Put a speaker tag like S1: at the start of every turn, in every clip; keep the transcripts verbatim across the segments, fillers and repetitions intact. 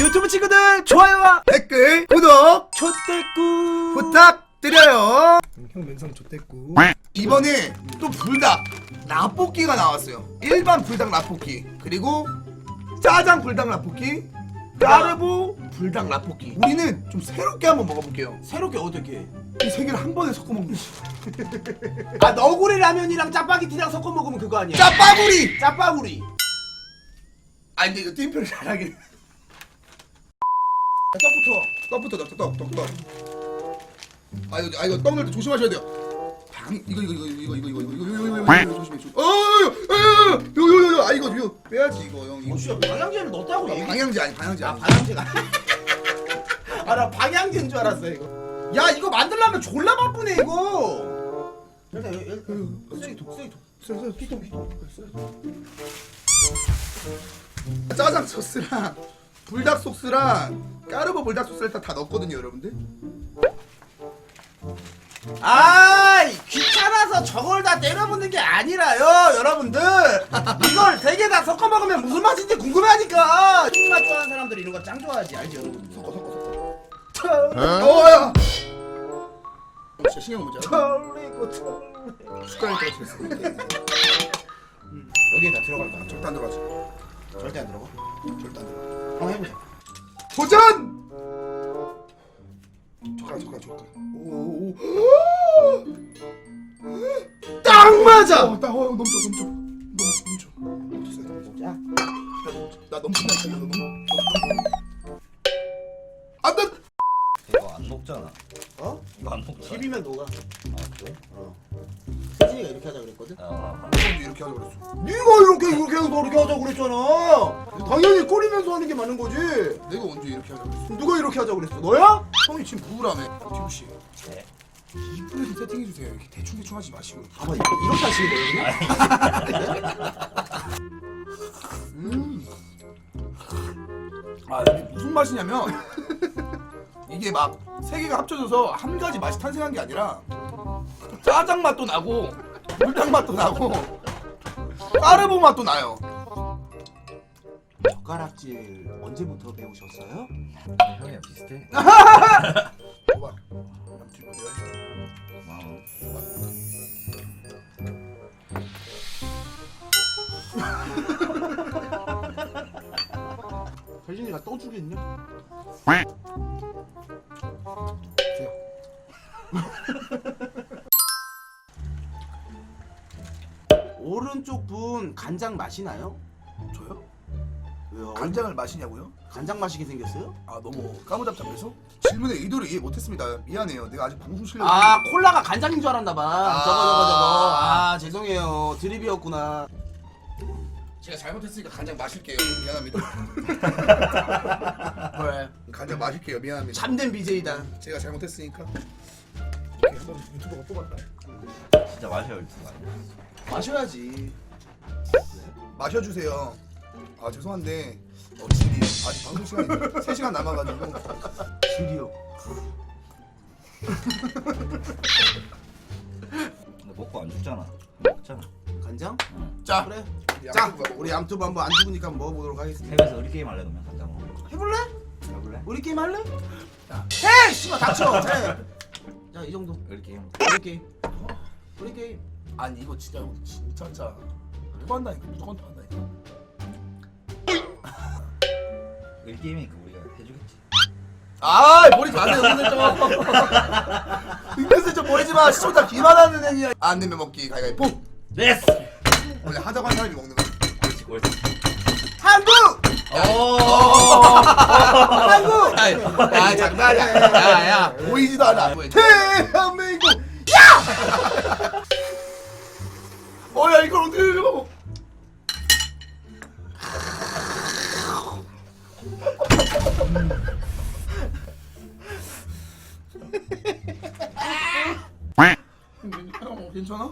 S1: 유튜브 친구들 좋아요와
S2: 댓글, 구독
S1: 촛대꾸
S2: 부탁드려요. 형 면상 좆됐고. 이번에 또 불닭 라볶이가 나왔어요. 일반 불닭 라볶이, 그리고 짜장 불닭 라볶이, 까르보 불닭 라볶이. 우리는 좀 새롭게 한번 먹어볼게요.
S1: 새롭게 어떻게?
S2: 이 세 개를 한 번에 섞어 먹는 거지.
S1: 아 너구리 라면이랑 짜파게티랑 섞어 먹으면 그거 아니야?
S2: 짜파구리.
S1: 짜파구리.
S2: 아 근데 이거 띠표를 잘하긴.
S1: 떡부터.
S2: 떡부터 넣자. 떡, 떡, 떡. 아 이거, 아 이거 떡 넣을 때 조심하셔야 돼요. 방 이거 이거 이거 이거 이거 이거 이거 이거 이거 이거 이거 조심해 조심. 어, 요요요요. 아 이거 이거 빼야지 이거 형. 이거.
S1: 어 씨야 방향제를 넣었다고 얘기?
S2: 방향제 아니 방향제.
S1: 아
S2: 아니.
S1: 방향제가. 아 나 방향제인 줄 알았어 이거. 야 이거 만들려면 졸라 바쁘네 이거. 일단 여기 여기 쓰레기통 쓰레기통.
S2: 쓰레기 피통 피통. 짜장 소스랑 불닭 소스랑 까르보 불닭 소스를 일단 다 넣었거든요, 여러분들.
S1: 아이 귀찮아서 저걸 다 때려붓는 게 아니라요 여러분들. 이걸 세 개 다 섞어 먹으면 무슨 맛인지 궁금해하니까. 신맛 좋아하는 사람들이 이런 거 짱 좋아하지 알지 여러분.
S2: 섞어 섞어 섞어. 어야. 진짜 신경 못 자.
S1: 털리고 털리.
S2: 숟가락에 떨어뜨렸어.
S1: 여기에 다 들어갈 거야.
S2: 절대 안 들어가지.
S1: 절대 안 들어가.
S2: 절대 안 들어가.
S1: 한번 해보자.
S2: 도전! 젓가락 젓가락 젓가락. 오오오.
S1: 딱 맞아.
S2: 어, 딱 어, 넘쳐 넘쳐. 넘쳐 넘쳐. 넘쳤어.
S1: 자.
S2: 나 넘친다. 나 넘. 안 돼.
S3: 이거 안 녹잖아.
S1: 어?
S3: 이거 안 녹잖아.
S1: 팁이면 녹아.
S3: 아 그래?
S1: 어. 세진이가 이렇게 하자 그랬거든.
S3: 아,
S2: 먼저 이렇게 하자 그랬어.
S1: 네가 이렇게 이렇게 해서 이렇게 하자 그랬잖아. 당연히 꼬리면서 하는 게 맞는 거지.
S2: 내가 언제 이렇게 하자 그랬어?
S1: 누가 이렇게 하자 그랬어? 너야?
S2: 형이 지금 부으라며. 지우 씨.
S3: 네.
S2: 이쁘게 세팅해 주세요. 이렇게 대충 대충 하지 마시고.
S1: 봐봐 이렇게 하시는 거예요?
S2: 음. 아 이게 무슨 맛이냐면 이게 막 세 개가 합쳐져서 한 가지 맛이 탄생한 게 아니라 짜장 맛도 나고 불닭 맛도 나고 까르보 맛도 나요.
S1: 젓가락질 언제부터 배우셨어요?
S3: 형이랑 비슷해.
S2: 봐봐. 남친 내가 해.
S3: 고마워.
S1: 세진이가 또 주겠냐? 오른쪽 분 간장 마시나요?
S2: 저요?
S1: 왜요?
S2: 간장을 마시냐고요?
S1: 간장 마시게 생겼어요?
S2: 아 너무 까무잡잡해서 질문의 의도를 이해 못했습니다. 미안해요. 내가 아직 방송 실력이
S1: 아 콜라가 간장인 줄 알았나봐.
S2: 아.
S1: 저거 저거 저거. 아 죄송해요. 드립이었구나.
S2: 제가 잘못했으니까 간장 마실게요. 미안합니다.
S1: 그래.
S2: 간장 마실게요. 미안합니다.
S1: 참된 비제이다.
S2: 제가 잘못했으니까 이렇게 한번 유튜버가 뽑았다.
S3: 진짜 마셔야 할 거 아니야.
S1: 마셔야지.
S2: 마셔주세요. 아 죄송한데 어, 질이 아직 방송 시간이 세 시간 남아가지고
S1: 드디어.
S3: 근데 먹고 안 죽잖아. 먹잖아.
S1: 간장?
S3: 응.
S2: 자
S1: 그래.
S2: 우리
S1: 자
S2: 양쪽
S1: 우리 암투브 한번 안 죽으니까 한번 먹어보도록 하겠습니다.
S3: 해외에서 우리 게임 할래 그러면 간장 먹어.
S1: 해볼래?
S3: 해볼래?
S1: 우리 게임 할래?
S2: 자.
S1: 해! 씨발 닥쳐. 해. 자 이 정도.
S3: 우리 게임.
S1: 우리 게임. 우리 게임.
S2: 아니 이거 진짜 진짜 진짜 토한다니까 무조건 토한다니까.
S3: 우리 게임이니까 우리가 해주겠지.
S2: 아 버리지 마세요 은근슬쩍. 은근슬쩍 버리지 마. 시청자 기만하는 행위야. 안 내면 먹기 가위가위보.
S3: 예스.
S2: 원래 하자고 한 사람이 먹는 거.
S3: 옳지 옳지.
S1: 한국!
S3: 오.
S1: 한국!
S2: 아이, 야 장난이야. 야야 보이지도 않아. 대한민국. 야! 어야 이걸 어떻게 해요? 형 괜찮아?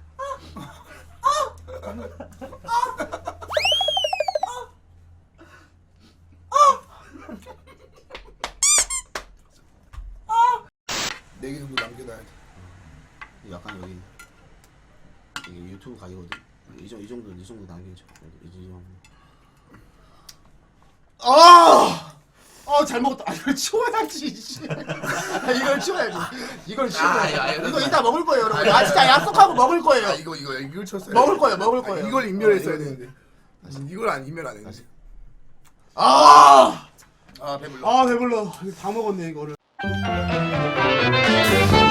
S2: 네 개 정도 남겨놔야 돼.
S1: 약간 여기 이게 유튜브 가이거든. 이, 정, 이 정도 이 정도 남겨줘. 이 정도.
S2: 아!
S1: 잘 먹었다. 아, 이걸 치워야지. 씨. 아, 이걸 치워야지. 이걸 치워.
S2: 아, 야, 야,
S1: 이거
S2: 야,
S1: 이따 먹을 거예요, 여러분. 아, 진짜 약속하고 먹을
S2: 아
S1: 거예요.
S2: 이거 이거 이걸 쳤어요.
S1: 먹을 거예요, 먹을
S2: 아,
S1: 거예요.
S2: 이걸 인멸했어야
S1: 어, 이거,
S2: 되는데. 이걸 안 인멸 안 했는데.
S1: 아,
S2: 아 배불러.
S1: 아 배불러. 다 먹었네 이거를.